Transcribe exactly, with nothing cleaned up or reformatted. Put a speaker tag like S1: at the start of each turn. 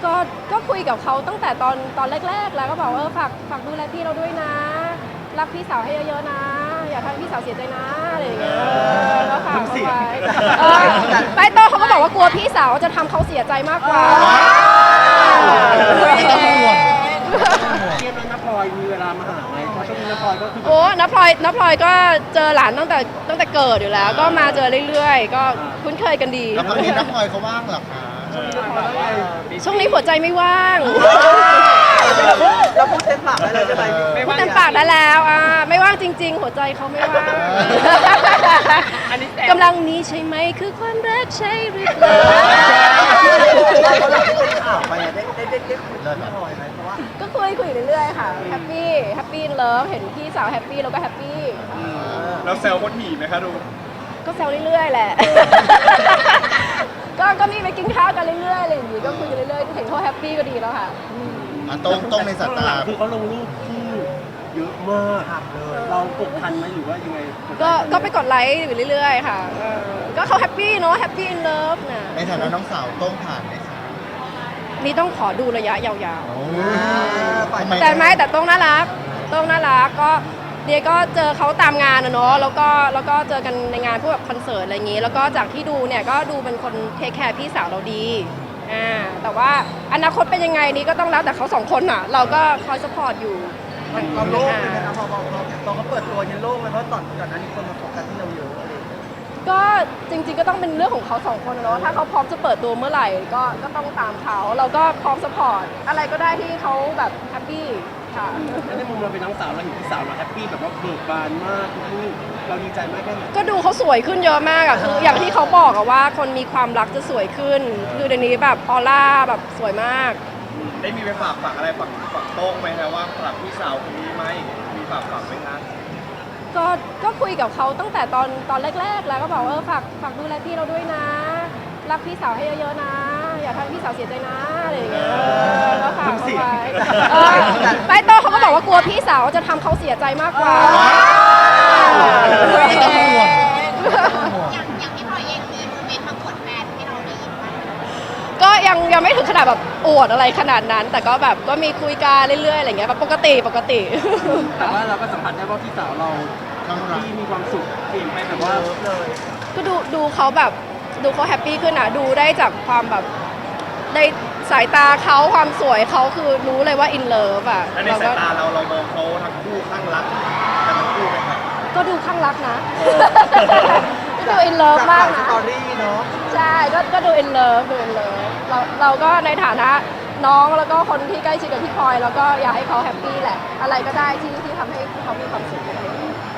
S1: ก็ก็คุยกับเขาตั้งแต่ตอนตอนแรกๆแล้วก็บอกว่าเออฝากฝากดูแลพี่เราด้วยนะรักพี่สาวให้เยอะๆนะอย่าทำให้พี่สาวเสียใจนะอะไรอย่างเงี้ยก็ฝากเขาไว้เออไปโตเขาก็บอกว่ากลัวพี่สาวจะทำเขาเสียใจมากกว่า
S2: ต้องห่วง
S3: เทียบแล้วน้าพลอยมีเวลามาหาไหมเพราะช่วงนี้น้าพลอยก็คือ
S1: โอ้น้าพลอยน้าพลอยก็เจอหลานตั้งแต่ตั้งแต่เกิดอยู่แล้ว ก็มาเจอเรื่อยๆ ก็คุ้นเคยกันดี
S2: แล้วตอนนี้นักพลอยเขาว่างเหรอคะ
S1: ช่วงนี้หัวใจไม่ว่าง
S3: เราพูดเต็มปากได้เลยใช่ไหม
S1: พูดเต็มปากได้แล้วอ่าไม่ว่างจริง ๆ หัวใจเขาไม่ว่างกำลังนี้ใช่ไหมคือความรักใช่หรือเปล่า
S3: เขาหลังที่เป็นข่าวไปอะได้ได้ได้ได้คุยกับน้าพลอยไหมเพราะว่า
S1: ก็คุยคุยเรื่อยๆค่ะแฮปปี้แฮปปี้เลิฟเห็นพี่สาวแฮปปี้เราก็แฮปปี้
S4: เราแซวคนหีไหมคะดู
S1: ก็แซวเรื่อยๆแหละ ก็ก็มีไปกินข้าวกันเรื่อยๆอะไรอย่างงี้ก็คุยกันเรื่อยๆเห็นเขาแฮปปี้ก็ดีแล้วค่ะ
S2: อ่ะตรงตรงในสายตา
S3: คือเขาลงรูปคู่เยอะมากเลยเรากดทันไหมหรือว่ายังไง
S1: ก็ก็ไปกดไลค์อยู่เรื่อยๆค่ะเออก็เขาแฮปปี้เนาะแฮปปี้อินเลิฟนะ
S2: ในฐานะน้องสาวต้องผ่านไหมคะ
S1: นี่ต้องขอดูระยะยาว
S2: โอ้
S1: ๆ แต่ไม่แต่ต้องน่ารักต้องน่ารักก็เดียก็เจอเขาตามงานนะเนาะแล้วก็แล้วก็เจอกันในงานพวกแบบคอนเสิร์ตอะไรอย่างงี้ แล้วก็จากที่ดูเนี่ยก็ดูเป็นคนเทคแคร์พี่สาวเราดีอ่าแต่ว่าอนาคตเป็นยังไงนี่ก็ต้องแล้วแต่เขาสองคนอ่ะ เราก็คอยสปอร์ตอยู่
S3: เราโล่งเลยไหมครับพอพอพอตอนเขาเปิดตัวเนี่ยโล่งเลยเพราะตอนก่อนหน้านี้คนมาโฟกัสที่เราเยอะอะไรอย่างเงี้ย
S1: ก็จริงๆก็ต้องเป็นเรื่องของเขาสองคนอะเนาะถ้าเขาพร้อมจะเปิดตัวเมื่อไหร่ก็ก็ต้องตามเขาเราก็พร้อมสปอร์ตอะไรก็ได้ที่เขาแบบแฮปปี้ค่ะ
S3: แล้วในมุมเราเป็นน้องสาวเราเห็นพี่สาวเราแฮปปี้แบบว่าเบิกบานมากทุกรูปเราดีใจมากแค่ไหน
S1: ก็ดูเขาสวยขึ้นเยอะมากอะคืออย่างที่เขาบอกอะว่าคนมีความรักจะสวยขึ้น คือเดี๋ยวนี้แบบออร่าแบบสวยมาก
S4: ได้มีไปฝากฝังอะไรฝังฝังโต้งไหมคะว่าฝากพี่สาวคนนี้ไหมมีฝากฝังไหมคะ
S1: ก็ก็คุยกับเขาตั้งแต่ตอนตอนแรกๆแล้วก็บอกว่าเออฝากฝากดูแลพี่เราด้วยนะรักพี่สาวให้เยอะๆนะอย่าทำให้พี่สาวเสียใจนะอะไรอย่างเงี้ยก็ฝากเขาไว้เออไปโตเขาก็บอกว่ากลัวพี่สาวจะทำเขาเสียใจมากกว่า
S2: ต้องห่วง
S5: อย่างอย่างที่พลอยเองมีโมเมนต์มาอวดแฟนให้เราได้ยินไหม
S1: ก็ยังยังไม่ถึงขนาดแบบอวดอะไรขนาดนั้น แต่ก็แบบก็มีคุยกันเรื่อยๆอะไรเงี้ยแบบปกติปกติ
S3: แต่ว่าเราก็สัมผัสได้ว่าพี่สาวเรา
S2: ต้องรัก
S3: ที่มีความสุขเปลี่ยนไปแบบว่าเลย
S1: ก็ดูดูเขาแบบดูเขาแฮปปี้ขึ้นอ่ะดูได้จากความแบบในสายตาเขาความสวยเขาคือรู้เลยว่าอินเลิฟอ่ะ
S4: และใน
S1: เรา
S4: สา
S1: ก็
S4: ยตาเราเรามองเขาทั้งคู่ข้างรักกันทั้งคู่ไหมครับ
S1: ก็ดูข้างรักนะ ก็ดูอินเลิฟมาก
S3: ส
S1: นะ
S3: ตอรี่เนาะ
S1: ใช่ก็ก็ดูอินเลิฟดูอินเลิฟเราเราก็ในฐานะน้องแล้วก็คนที่ใกล้ชิดกับพี่พลอยแล้วก็อยากให้เขาแฮปปี้แหละ อะไรก็ได้ที่ที่ทำให้เขามีความสุข